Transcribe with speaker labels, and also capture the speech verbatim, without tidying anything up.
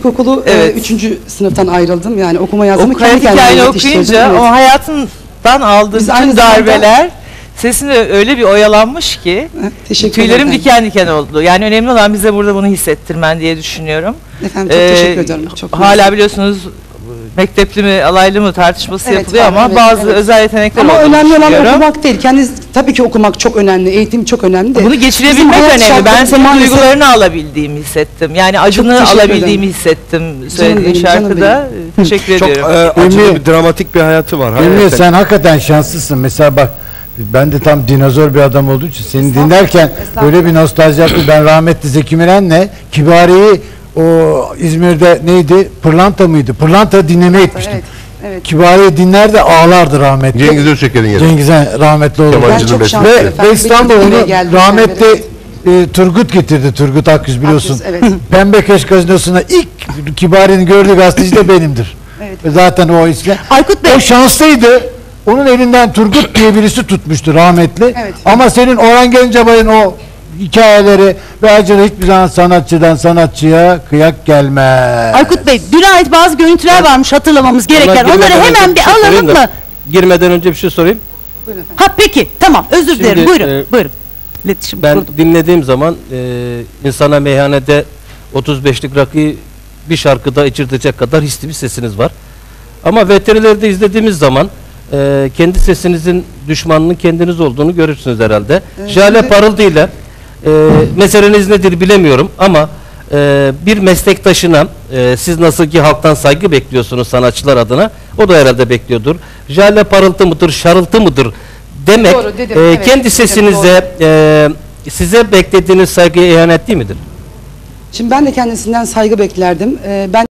Speaker 1: ilkokulu
Speaker 2: Evet.
Speaker 1: üçüncü sınıftan ayrıldım. Yani okuma yazımı
Speaker 2: O
Speaker 1: kendi
Speaker 2: hayat
Speaker 1: kendime
Speaker 2: hikayeni
Speaker 1: yetiştirdim.
Speaker 2: okuyunca
Speaker 1: Evet.
Speaker 2: o hayatından aldığı
Speaker 1: Biz aynı
Speaker 2: bütün
Speaker 1: zamanda-
Speaker 2: darbeler sesinde öyle bir oyalanmış ki
Speaker 1: Ha, teşekkür
Speaker 2: tüylerim
Speaker 1: ederim.
Speaker 2: diken diken oldu. Yani önemli olan bize burada bunu hissettirmen diye düşünüyorum.
Speaker 1: Efendim çok
Speaker 2: Ee,
Speaker 1: teşekkür ederim. Çok
Speaker 2: hala
Speaker 1: mersi.
Speaker 2: biliyorsunuz mektepli mi alaylı mı tartışması
Speaker 1: Evet,
Speaker 2: yapılıyor
Speaker 1: var,
Speaker 2: ama
Speaker 1: evet,
Speaker 2: bazı
Speaker 1: evet.
Speaker 2: özel yetenekler
Speaker 1: Ama
Speaker 2: olduğunu
Speaker 1: önemli olan
Speaker 2: düşünüyorum.
Speaker 1: okumak değil. Kendiniz tabii ki okumak çok önemli. Eğitim çok önemli de.
Speaker 2: Bunu
Speaker 1: Bizim
Speaker 2: geçirebilmek
Speaker 1: hayat
Speaker 2: önemli. Ben
Speaker 1: şartlarımız
Speaker 2: senin
Speaker 1: maalesef-
Speaker 2: duygularını alabildiğimi hissettim. Yani acını
Speaker 1: teşekkür
Speaker 2: alabildiğimi
Speaker 1: ederim.
Speaker 2: hissettim söylediğin
Speaker 1: benim, canım
Speaker 2: şarkıda. Teşekkür
Speaker 3: Çok
Speaker 2: ediyorum.
Speaker 3: e, acılı
Speaker 4: Emre-
Speaker 3: bir dramatik bir hayatı var.
Speaker 4: Emre
Speaker 3: hakikaten.
Speaker 4: sen hakikaten şanslısın. Mesela bak ben de tam dinozor bir adam olduğu için seni
Speaker 1: Estağfurullah,
Speaker 4: dinlerken
Speaker 1: estağfurullah.
Speaker 4: böyle bir nostalji yaptım. Ben rahmetli Zeki Müren'le Kibari'yi o İzmir'de neydi? Pırlanta mıydı? Pırlanta dinlemeye gitmiştim.
Speaker 1: Evet, evet.
Speaker 4: Kibari'yi dinler de ağlardı rahmetli.
Speaker 3: Cengiz Özçeker'in yeri.
Speaker 4: Cengiz'e rahmetli oldu.
Speaker 3: Kemal
Speaker 1: Ben
Speaker 3: Acılı
Speaker 1: çok
Speaker 3: Besmele.
Speaker 1: şanslıyım
Speaker 4: Ve,
Speaker 1: efendim.
Speaker 4: ve İstanbul'da
Speaker 1: Benim
Speaker 4: onu
Speaker 1: buraya geldiğimden
Speaker 4: rahmetli
Speaker 1: beri,
Speaker 4: e, Turgut getirdi. Turgut Akgüz biliyorsun.
Speaker 1: Akgüz, evet.
Speaker 4: Pembeköş Gazinosu'na ilk Kibari'nin gördüğü gazeteci de benimdir.
Speaker 1: Evet.
Speaker 4: Ve zaten o isle.
Speaker 5: Aykut Bey.
Speaker 4: O şanslıydı. Onun elinden Turgut diye birisi tutmuştu rahmetli.
Speaker 1: Evet.
Speaker 4: Ama senin Orhan Gencebay'ın o hikayeleri ve acılı hiçbir zaman sanatçıdan sanatçıya kıyak gelmez.
Speaker 5: Aykut Bey, düne ait bazı görüntüler varmış hatırlamamız gereken.
Speaker 6: Ona
Speaker 5: Onları
Speaker 6: girmeden
Speaker 5: hemen
Speaker 6: önce
Speaker 5: bir
Speaker 6: şey
Speaker 5: alalım
Speaker 6: sorayım da,
Speaker 5: mı?
Speaker 6: Girmeden önce bir şey sorayım.
Speaker 1: Buyurun efendim.
Speaker 5: Ha peki, tamam. Özür
Speaker 6: Şimdi,
Speaker 5: dilerim. Buyurun.
Speaker 6: e,
Speaker 5: buyurun. İletişim
Speaker 6: Ben
Speaker 5: kurdum.
Speaker 6: dinlediğim zaman e, insana meyhanede otuz beşlik rakıyı bir şarkıda içirtecek kadar hisli bir sesiniz var. Ama V T R'lerde izlediğimiz zaman e, kendi sesinizin düşmanının kendiniz olduğunu görürsünüz herhalde.
Speaker 1: Evet,
Speaker 6: Jale
Speaker 1: şimdi-
Speaker 6: Parıltı ile e, meseleniz nedir bilemiyorum ama e, bir meslektaşına e, siz nasıl ki halktan saygı bekliyorsunuz sanatçılar adına, o da herhalde bekliyordur. Jale Parıltı mıdır, şarıltı mıdır demek
Speaker 1: Doğru, dedim,
Speaker 6: e,
Speaker 1: evet,
Speaker 6: kendi
Speaker 1: dedim,
Speaker 6: sesinize e, size beklediğiniz saygıya ihanet değil midir?
Speaker 1: Şimdi ben de kendisinden saygı beklerdim. Ee, ben